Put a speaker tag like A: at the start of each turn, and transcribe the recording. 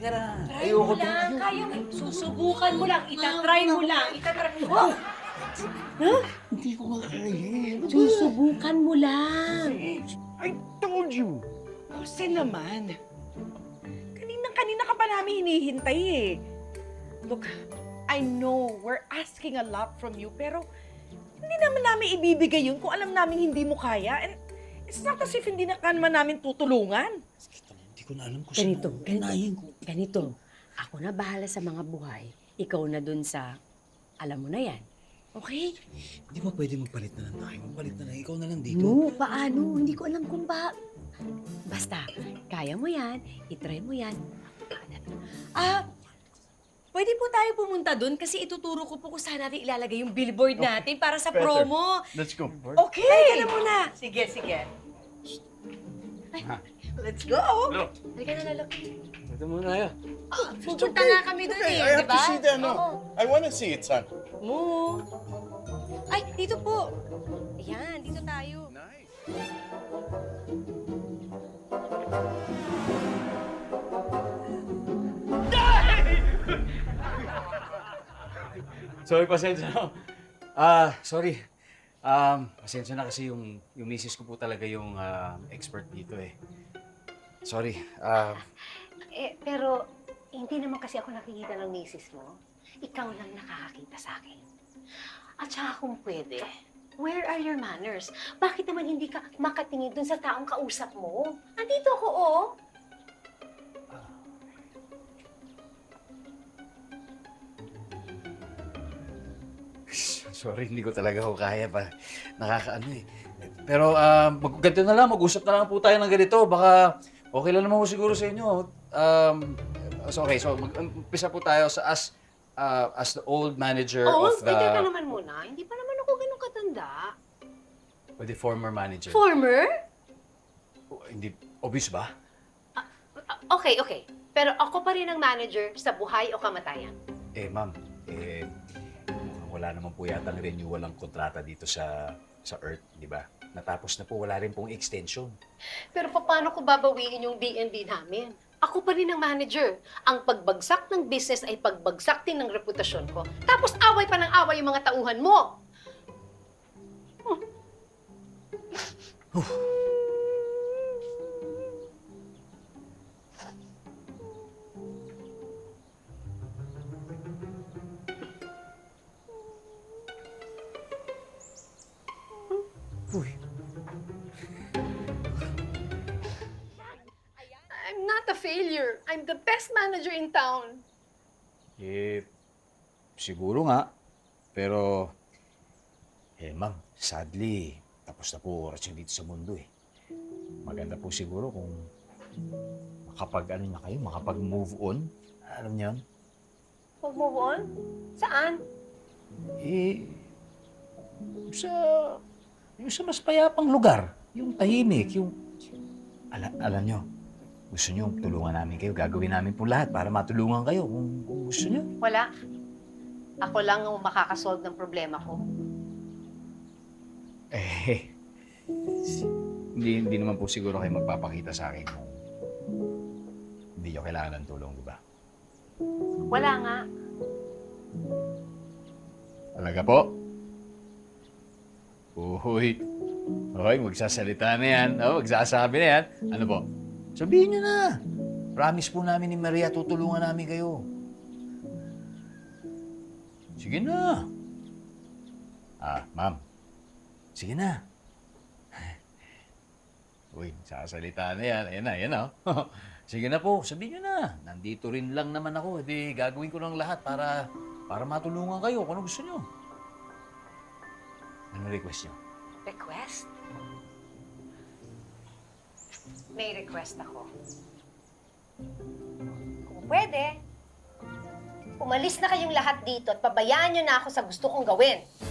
A: Halika na.
B: Try mo lang. Kaya mo. Susubukan mo lang. Itatry mo lang. Oh!
A: Hindi ko makakaya.
B: Susubukan mo lang.
A: I told you.
C: Jose naman. Kanina ka pa namin hinihintay eh. Look, I know we're asking a lot from you, pero hindi naman namin ibibigay yun kung alam namin hindi mo kaya. And it's not as if hindi na naman namin tutulungan.
A: Hindi ko na alam kung
B: Ganito. Ako na bahala sa mga buhay. Ikaw na dun sa, alam mo na yan. Okay?
A: Hindi ba pwede magpalit na lang tayo? Magpalit na lang. Ikaw na lang dito.
B: No, paano? Hindi ko alam kung ba. Basta, kaya mo yan, itry mo yan. Pwede po tayo pumunta dun kasi ituturo ko po kung saan natin ilalagay yung billboard natin para sa promo.
A: Let's go.
C: Okay!
B: Halika na muna.
C: Sige.
B: Ay,
C: Let's go!
B: halika na lalaki.
A: Ito muna tayo.
B: Pupunta nga kami dun eh,
D: I
B: di
D: have
B: ba?
D: to see that, no.
B: Oo.
D: I want to see it, son.
B: Mo. Ay, dito po. Ayan, dito tayo.
D: Nice.
A: Sorry, pasensya na. Sorry. Pasensya na kasi yung misis ko po talaga yung expert dito eh. Sorry.
E: Pero hindi naman kasi ako nakikita ng misis mo. Ikaw lang nakakakita sa akin. At saka kung pwede, where are your manners? Bakit naman hindi ka makatingin dun sa taong kausap mo? Andito ako, oh.
A: Sorry, hindi ko talaga ako kaya pa. Nakakaano eh. Pero ganito na lang, mag-usap na lang po tayo ng ganito. Baka okay lang naman po siguro sa inyo. So mag-umpisa po tayo sa as the old manager
E: Oh,
A: of the...
E: pwede ka naman muna. Hindi pa naman ako ganun katanda.
A: Or the former manager.
E: Former?
A: Hindi, obvious ba?
E: Okay. Pero ako pa rin ang manager sa buhay o kamatayan.
A: Ma'am, mukhang wala naman po yata ang renewal ang kontrata dito sa Earth, di ba? Natapos na po, wala rin pong extension.
E: Pero paano ko babawiin yung B&B namin? Ako pa rin ang manager. Ang pagbagsak ng business ay pagbagsak din ng reputasyon ko. Tapos away pa ng away yung mga tauhan mo.
A: Uy,
E: I'm not a failure. I'm the best manager in town.
A: siguro nga. Pero, ma'am, sadly, tapos na po oras yung dito sa mundo eh. Maganda po siguro kung makapag-move on. Alam niyo yun?
E: Mag-move on? Saan?
A: Yung sa mas payapang lugar. Yung tahimik, alam nyo, gusto nyo tulungan namin kayo. Gagawin namin po lahat para matulungan kayo kung gusto nyo.
E: Wala. Ako lang ang makakasolve ng problema ko.
A: Hindi naman po siguro kayo magpapakita sa akin kung hindi nyo kailangan ng tulong, di ba?
E: Wala nga.
A: Talaga po? Uy. Okay, magsasalita na yan. Magsasabi na yan. Ano po? Sabihin nyo na. Promise po namin ni Maria, tutulungan namin kayo. Sige na. Ma'am. Sige na. Uy, sasalita na yan. Ayan na. Sige na po, sabihin nyo na. Nandito rin lang naman ako. Hindi, gagawin ko ng lahat para matulungan kayo kung ano gusto nyo. Ano request nyo?
E: Request? May request ako. Kung pwede, umalis na kayong lahat dito at pabayaan nyo na ako sa gusto kong gawin.